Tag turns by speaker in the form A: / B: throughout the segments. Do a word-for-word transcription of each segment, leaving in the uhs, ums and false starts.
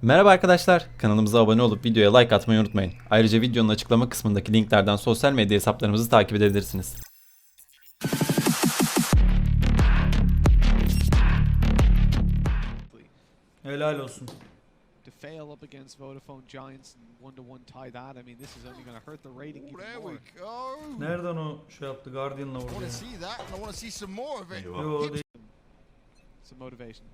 A: Merhaba arkadaşlar, kanalımıza abone olup videoya like atmayı unutmayın. Ayrıca videonun açıklama kısmındaki linklerden sosyal medya hesaplarımızı takip edebilirsiniz.
B: Helal olsun.
C: To fail up against Vodafone Giants and one to one tie that, I mean, this is only going to hurt the rating even
D: There
C: more.
D: we go.
B: Nereden o şey yaptı? Guardian'la
D: I
B: vurdu
D: want
B: ya.
D: to see that, and I want to see some more of it.
B: Yo, değil.
C: Some motivation.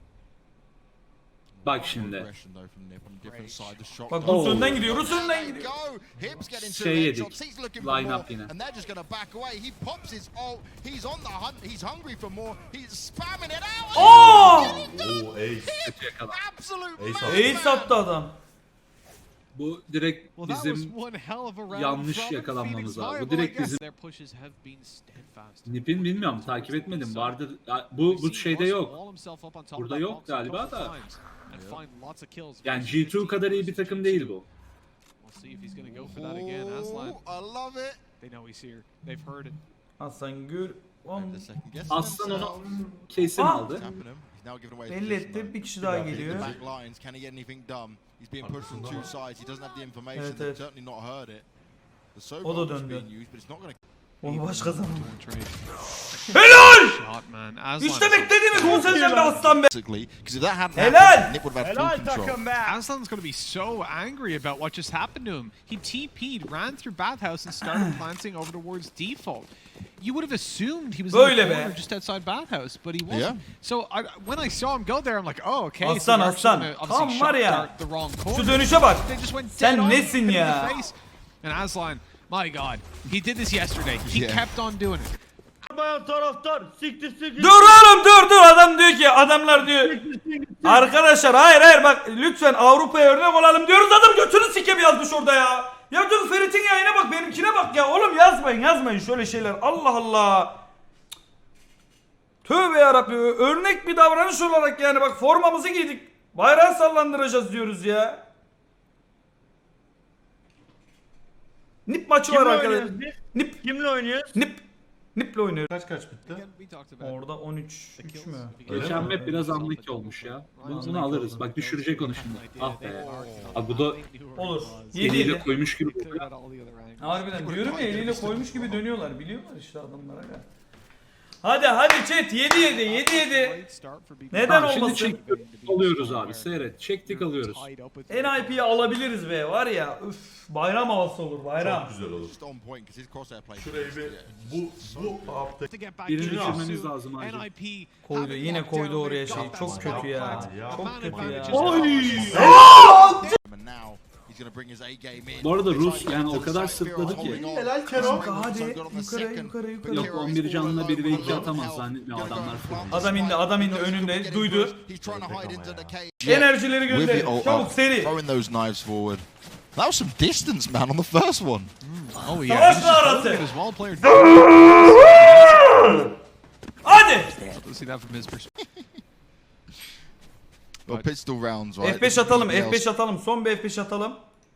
E: Bak şimdi.
D: Aggression, though, from Nip on a different side. The shot
B: Bak
D: goes-
B: Rus önden gidiyor, Rus
D: There
B: önden
D: you
B: gidiyor.
D: go. Hips getting two
E: Şey yedik.
D: headshots. He's looking for
E: Line
D: more,
E: up yine.
D: and they're just going to back away. He pops his ult. He's on the hunt. He's hungry for more. He's spamming it out.
B: Oh!
F: Oo ace.
E: Kötü yakala.
D: Absolute
F: Ace
D: madman.
B: Ace attı adam.
E: Bu direkt
C: Well, that was
E: bizim
C: one hell of a round
E: yanlış
C: from
E: yakalanmamız
C: Phoenix
E: var. Bu
C: Viable, I
E: direkt
C: guess.
E: bizim-
C: Their pushes have been steadfast.
E: Nip'in bilmiyorum takip etmedim. Vardı bu bu şeyde yok. Burada yok galiba da. Yani G iki kadar iyi bir takım değil bu.
C: We'll see if he's going to go for that again. Aslan,
D: Oh, I love it.
C: they know he's here. They've heard it.
B: Aslan gör. Oğlum,
D: The second guess
E: Aslan onu
D: themselves.
E: kesin
B: Ah!
E: aldı.
D: Tapping him. He's now giving away his
B: belli
D: position,
B: etti.
D: though.
B: Bir kişi daha
D: Hit
B: geliyor.
D: the back lines. Can he get anything done? He's being pushed from two sides. He doesn't have the information.
B: Evet,
D: They've
B: evet.
D: certainly not heard it. The so
B: O da
D: is
B: döndü.
D: being used, but it's not going to.
B: Onu başka zaman.
C: Helal! Shot, man. Aslan
B: İşte
C: is-
B: beklediğimiz bu senden be aslan be.
D: Basically, because if that hadn't
B: Helal!
D: happened, Nip would have had full control.
C: Aslan's going to be so angry about what just happened to him. He T P'd, ran through bathhouse and started planting over towards default. You would have assumed he was
B: Böyle
C: in the
B: be.
C: corner just outside bathhouse, but he wasn't.
D: Yeah.
C: So I, when I saw him go there, I'm like, oh, okay. so
B: Aslan,
C: they're actually
B: aslan.
C: gonna obviously
B: Tam var
C: shot
B: ya.
C: dart the wrong corner.
B: Şu dönüşe bak.
C: They just went
B: Sen
C: dead on,
B: nesin
C: hit him in
B: ya?
C: the face. And Aslan, my God, he did this yesterday. He
D: Yeah.
C: kept on doing it.
G: Bayan taraftar siktir siktir.
B: Dur oğlum dur dur adam diyor ki adamlar diyor. Arkadaşlar hayır hayır bak lütfen Avrupa'ya örnek olalım diyoruz adam götünü sikem yazmış orada ya. Ya dur Ferit'in yayına bak benimkine bak ya oğlum yazmayın yazmayın şöyle şeyler Allah Allah. Tövbe yarabbim örnek bir davranış olarak yani bak formamızı giydik. Bayrağı sallandıracağız diyoruz ya. Nip maçı var
G: Kimle
B: arkadaşlar.
G: oynuyoruz biz?
B: Nip
G: Kimle oynuyoruz?
B: nip Nip'le oynuyoruz.
F: Kaç kaç bitti?
C: Again, we talked about
B: Orada on üç üç mü?
E: Geçen map biraz anlık olmuş ya. Bunu, bunu alırız. Bak düşürecek onu şimdi. Ah be. Abi bu da
B: Olur. yedi
E: eliyle
B: yedi.
E: koymuş gibi.
C: cleared out all the other angles.
B: Harbiden diyorum ya eliyle koymuş gibi dönüyorlar biliyorlar işte adamlara ya. Hadi hadi chat yedi yedi yedi yedi.
C: Great start for B B.
B: Neden
E: Tamam, şimdi
B: olmasın?
E: çektik alıyoruz abi. Seyret. Çektik alıyoruz.
B: N I P'yi alabiliriz be var ya üf bayram havası olur bayram.
F: Çok güzel olur.
D: Just on point because his crosshair play.
F: Şurayı bir bu bu hafta
E: Birini düşürmemiz lazım acil.
B: Koydu yine koydu oraya şey çok kötü ya. Çok kötü ya.
D: And now he's going to bring his A game in.
E: Bu arada Rus yani o kadar sırtladı ki.
F: Helal Kero.
B: Hadi yukarı yukarı yukarı.
E: Yok on bir canlı bir ve iki atamaz zannetmiyorum adamlar falan.
B: Adam indi adam indi önünde duydu.
D: He's trying to hide into the cage.
B: Enerjileri
D: With
B: gönder.
D: it all
B: Çabuk
D: up,
B: seri.
D: throwing those knives forward. That was some distance, man, on the first one.
C: Oh
B: Savaş arası.
C: As well player.
B: Hadi.
C: Let's see that from his perspective.
D: Well, pistol rounds, right?
B: F beş atalım F beş atalım son bir F beş atalım.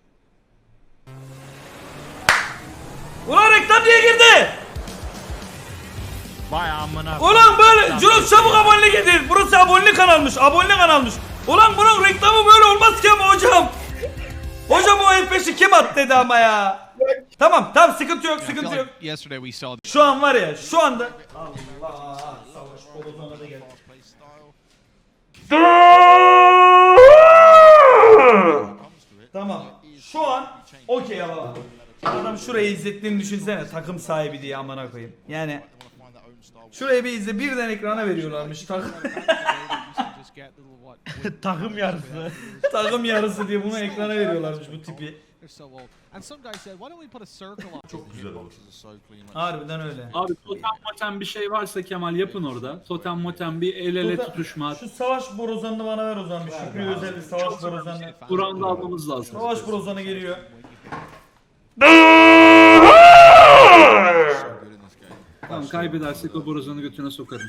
B: Ulan reklam diye girdi.
G: Vay amına.
B: Ulan böyle Jules çabuk abonelik edin. Burası abonelik kanalmış. Abonelik kanalmış. Ulan bunun reklamı böyle olmaz ki ama hocam. Hocam o F beşi kim attı dedi ama ya. Tamam tamam sıkıntı yok
C: I feel
B: sıkıntı yok.
C: like yesterday we saw
B: Şu an var ya şu anda. Allah savaş kolozona da gel. Tamam. Şu an okey ama. Adam şurayı izlettiğini düşünsene takım sahibi diye amına koyayım. Yani şurayı bir izle birden ekrana veriyorlarmış takım.
G: Takım yarısı.
B: takım yarısı diye bunu ekrana veriyorlarmış bu tipi.
F: Çok güzel olur.
B: Harbiden öyle.
E: Abi totem motem bir şey varsa Kemal yapın orada. Totem motem bir el ele
B: Burada-
E: tutuşma.
B: Şu savaş borozanını bana ver o zaman bir Şükrü özel bir savaş borozanını.
E: Buranı almamız lazım.
B: Savaş borozanı geliyor.
E: Tamam kaybedersek o borazanı götüne sokarım.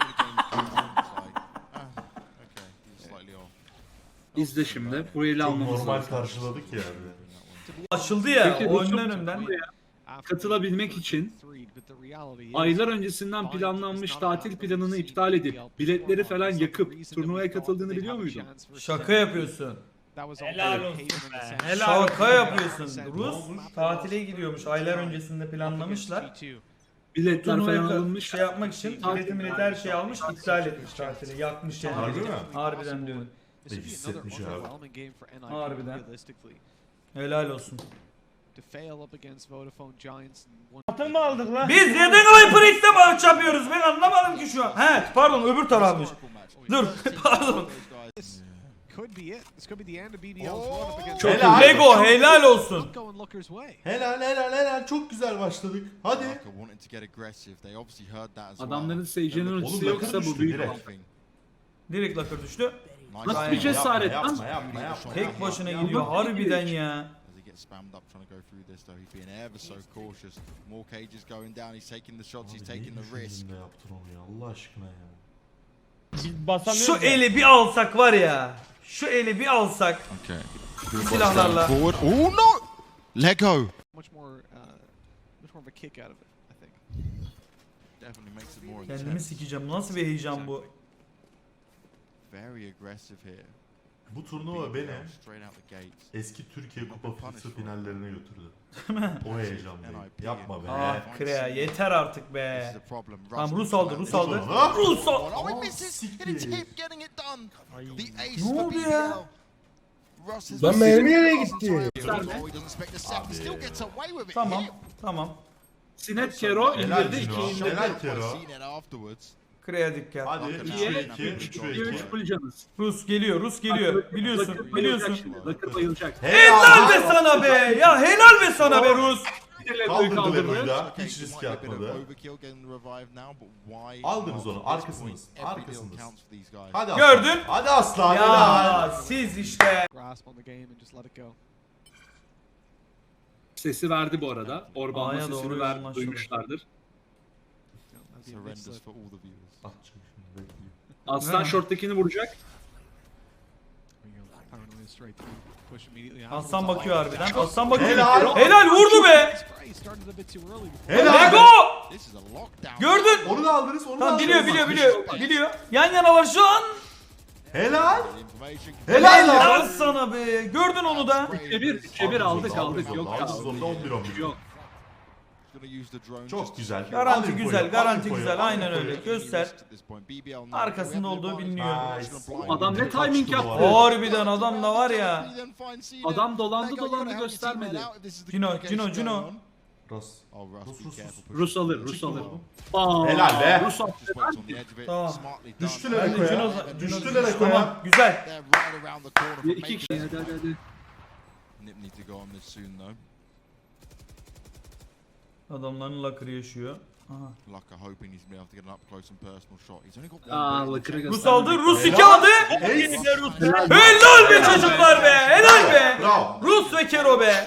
E: İzle şimdi. Bu eli
F: Çok
E: almamız
F: normal
E: lazım.
F: karşıladık yani.
B: Açıldı ya
E: Peki,
B: o
E: bu çok-
B: önden önden.
E: Katılabilmek için aylar öncesinden planlanmış tatil planını iptal edip biletleri falan yakıp turnuvaya katıldığını biliyor muydun?
B: Şaka yapıyorsun.
C: that was
G: Helal
C: all
G: olsun
C: Haven in the
G: be.
C: sense.
G: Helal
B: Şaka
G: olsun.
B: yapıyorsun. Rus tatile gidiyormuş. Aylar öncesinde planlamışlar.
C: G two.
B: Biletler
E: Biletler falan
B: falan
E: alınmış.
B: şey yapmak için bileti mileti her şeyi almış, iptal etmiş tatili. Yakmış yani.
F: Harbi mi?
B: Harbiden diyor.
C: This would be
F: hissetmiş
C: another
F: abi.
C: overwhelming game for N I P
B: Harbiden.
C: realistically.
B: Helal olsun.
C: To fail up against Vodafone Giants and one
G: Atın mı aldık lan?
B: Biz neden HyperX'te maç yapıyoruz? Ben anlamadım ki şu an. He pardon öbür tarafmış. Dur pardon.
C: This could be it. This could be the end of B B L's run up against
B: Çok
F: Helal.
B: Lego helal olsun.
C: Not going Looker's way.
F: Helal helal helal çok güzel başladık. Hadi.
E: Adamların Sage'nin
F: Oğlum,
E: ultisi
F: yakın
E: yoksa
F: düştü
E: bu büyük
F: direkt.
E: bir
B: Direkt lakır düştü.
E: Nasıl bir cesaret lan?
F: Yapma yapma yapma.
B: Tek başına gidiyor harbiden ya.
H: Spammed up trying to go through this though. He's being ever so cautious. More cages going down. He's taking the shots. He's taking the risk.
F: Ne yaptın onu ya Allah aşkına ya.
G: Biz basamıyoruz
B: Şu
G: ya.
B: eli bir alsak var ya. Şu eli bir alsak.
H: Okay.
B: Silahlarla.
H: Forward. Oh no! Lego.
C: Much more, uh, much more of a kick out of it, I think.
H: Definitely makes it more
B: Kendimi
H: intense.
B: sikeceğim. Nasıl bir heyecan bu?
H: Very aggressive here.
F: Bu turnuva beni
H: Straight out the gates.
F: eski Türkiye Kupası finallerine götürdü. O heyecanlıyım. Yapma be.
B: Ah Krea yeter artık
H: This
B: be.
H: is the problem.
B: Tamam Rus aldı Rus aldı.
F: Ha?
B: Rus aldı.
D: Oh, he
F: Oh,
D: misses.
F: siktir.
D: And it's him getting it done. The ace
B: Ne
D: for
B: oldu
D: B B
B: ya?
D: L. Russ has
G: Lan mermi nereye gitti?
D: Oh, he doesn't expect the sack. He still gets away with it.
B: Tamam
D: Here.
B: tamam.
E: Sinet Kero
F: Helal
E: indirdi
F: Cino.
E: iki indirdi.
F: Helal Kero.
H: Seen it afterwards.
B: Krea dikkat.
F: Hadi
E: İkiye
F: üçe iki.
E: üç,
F: üçe
E: ikiye üç
F: iki.
E: full canız.
B: Rus geliyor Rus geliyor. Biliyorsun
E: Lakır
B: biliyorsun.
E: bayılacak şimdi, Lakır bayılacak.
B: Helal be sana be. Ya helal be sana be Rus.
E: Lego'yu
F: Kaldırdı Lego'yu
E: kaldırdı.
F: da.
H: Okay,
F: Hiç
H: so
F: risk
H: might be a bit of
F: yapmadı.
H: overkill getting the revive now, but why
F: Aldınız
H: not?
F: onu,
H: At this
F: arkasınız,
H: point, every deal
F: arkasınız.
H: counts for these guys.
F: Hadi
B: Gördün?
F: aslan. Hadi aslan. Helal.
B: Ya siz işte.
C: Grasp on the game and just let it go.
E: Sesi verdi bu arada. Orban'la
B: A'ya doğru
E: sesini ver,
B: yoğunlaştı.
E: duymuşlardır.
H: That's horrendous for all the viewers.
F: Atacağım şimdi, bekleyin.
E: Aslan short'takini vuracak.
C: Paranoia straight through. Push immediately.
B: Aslan bakıyor harbiden. Aslan bakıyor.
F: Helal.
B: Helal vurdu be.
C: Spray started a bit too early.
F: Helal.
B: Lego.
H: This is a lockdown.
B: Gördün.
F: Onu da aldınız, onu da
B: Tamam
F: aldınız.
B: biliyor biliyor biliyor. Biliyor. Yan yanalar şu an.
F: Helal.
H: Information.
F: Helal
B: Helal
F: lan.
B: sana be. Gördün onu da.
E: üçe bir, üçe bir aldık aldık. Yok
F: Aldık
E: kaldı.
F: zorunda on bir on bir.
E: Yok.
H: Gonna use the drone just
F: Çok
H: to
F: güzel.
H: secure
B: Garanti
F: Al
B: güzel,
F: infoyu,
B: garanti
F: al infoyu,
B: güzel,
F: al
B: aynen
F: infoyu.
B: öyle. Göster.
H: at this point. B B L now.
B: Arkasında olduğu biliniyor.
F: Nice.
E: Adam ne timing yaptı.
B: Harbiden adam da var ya.
E: Adam dolandı dolandı göstermedi.
B: Cino, Cino, Cino.
F: Rus.
H: Oh, Russ,
F: Rus,
H: be
F: Rus,
H: careful.
F: Rus.
E: Rus alır, Rus
F: Çıktı
E: alır.
F: oğlum.
E: Aa,
F: Helal be.
E: Rus alır.
H: Just waits on the edge of it.
B: Tamam.
H: Smartly done.
F: Düştüler
B: Ben de Cino,
F: Eko'ya.
B: Cino
F: Düştüler Eko'ya.
B: Tamam güzel.
H: They're right around the corner from
E: İki
H: making
E: kişi. Hadi hadi hadi.
H: Nip need to go on this soon though.
B: Adamların lakırı yaşıyor. Aha.
H: Lucker hoping he's gonna be able to get an up close and personal shot. He's only got one.
E: Aa,
H: bullet
E: Lakır'ı
H: in the
B: Rus
E: gösterdi.
B: aldı. Rus iki aldı.
F: Ace.
B: Helal be çocuklar be. Helal be.
F: Bravo.
B: Rus ve Kero be.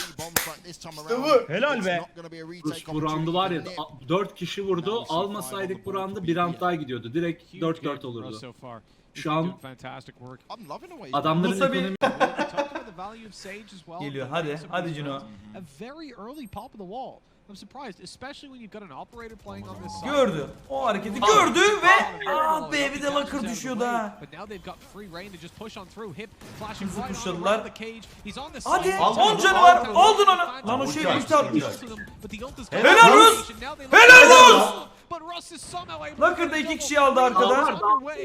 G: Helal be.
E: Rus bu roundu var ya dört kişi vurdu. Almasaydık bu roundu bir round daha gidiyordu. Direkt
C: Huge
E: dört
C: game
E: dört
C: for
E: olurdu.
C: Russ so far.
E: Şu
C: He's
E: an-
C: doing fantastic work.
H: I'm loving the way.
E: Adamların
B: Rus'a bir-
E: ekonomi
C: We talked about the value of Sage as well.
B: Geliyor,
C: the
B: hadi,
C: pace of
B: hadi
C: these
B: Cino.
C: rounds. A very early pop of the wall. I'm surprised, especially when you've got an operator playing on this side.
B: Gördü. O hareketi gördü ve aa be bir de lakır düşüyordu ha.
C: But now they've got free reign to just push on through. Hip flashing
B: Hızlı
C: right on
B: pushladılar.
C: around the cage. He's on the
B: Hadi,
C: side.
B: on canı var. Aldın onu. Lan o şey
F: Uçak,
B: ulti atmış.
F: uçak.
B: Helal Rus! Helal Rus! Lakır da iki kişiyi aldı arkada.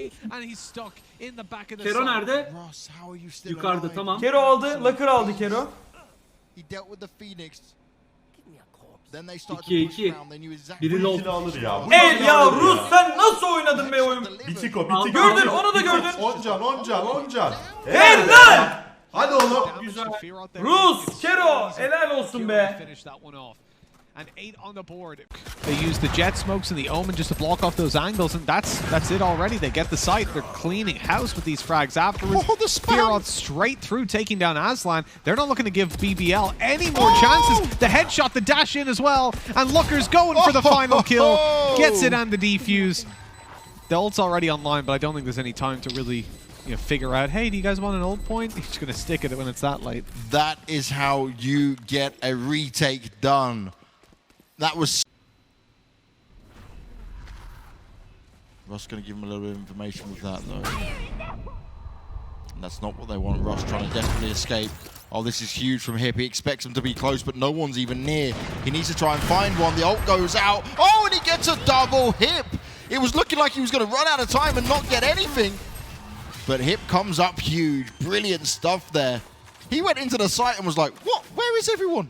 E: Kero nerede?
H: Russ, how are you still
E: Yukarıda
H: alive?
E: tamam.
B: Kero aldı. Lakır aldı Kero.
H: He dealt with the Phoenix. Then they started
E: İkiye
H: to push
E: iki.
H: around. They knew exactly.
E: Biri
F: Bu
E: low.
F: ikili alır ya. Bu
B: El
F: ikili
B: ya
F: alır
B: Rus sen nasıl oynadın be oyun?
F: Bitik o bitik.
B: Gördün, onu da gördün.
F: Oncan oncan oncan.
B: Helal!
F: Hadi oğlum.
B: Rus, Kero, helal olsun be.
C: And eight on the board. They use the jet smokes and the omen just to block off those angles, and that's that's it already. They get the site. They're cleaning house with these frags afterwards.
H: Oh, the spam!
C: Fearoth straight through, taking down Aslan. They're not looking to give B B L any more chances. The headshot, the dash in as well, and Looker's going for the final kill. Gets it and the defuse. The ult's already online, but I don't think there's any time to really, you know, figure out. Hey, do you guys want an ult point? He's just gonna stick at it when it's that late.
H: That is how you get a retake done. That was. Russ gonna give him a little bit of information with that though. And that's not what they want. Rush trying to desperately escape. Oh, this is huge from Hip. He expects them to be close, but no one's even near. He needs to try and find one. The ult goes out. Oh, and he gets a double Hip. It was looking like he was going to run out of time and not get anything. But Hip comes up huge. Brilliant stuff there. He went into the site and was like, what? Where is everyone?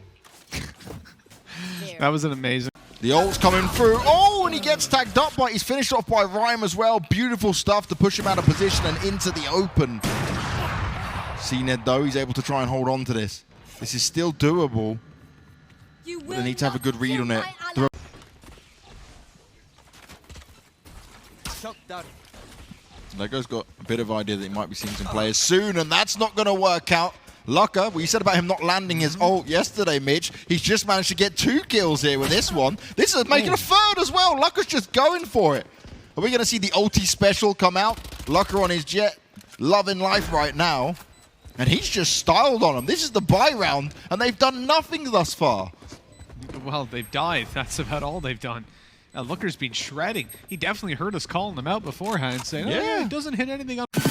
C: That was an amazing.
H: The ult's coming through. Oh, and he gets tagged up, but he's finished off by Rhyme as well. Beautiful stuff to push him out of position and into the open. C Ned, though, he's able to try and hold on to this. This is still doable, but they need to have a good read on it. Throw Lego's got a bit of idea that he might be seeing some players soon, and that's not going to work out. Lucka, what you said about him not landing his ult yesterday, Mitch, he's just managed to get two kills here with this one. This is making a third as well. Lucka's just going for it. Are we going to see the ulti special come out? Lucka on his jet, loving life right now. And he's just styled on him. This is the buy round, and they've done nothing thus far.
C: Well, they've died. That's about all they've done. Uh, Looker's been shredding. He definitely heard us calling them out beforehand, saying, oh,
H: Yeah.
C: yeah, it doesn't hit anything on.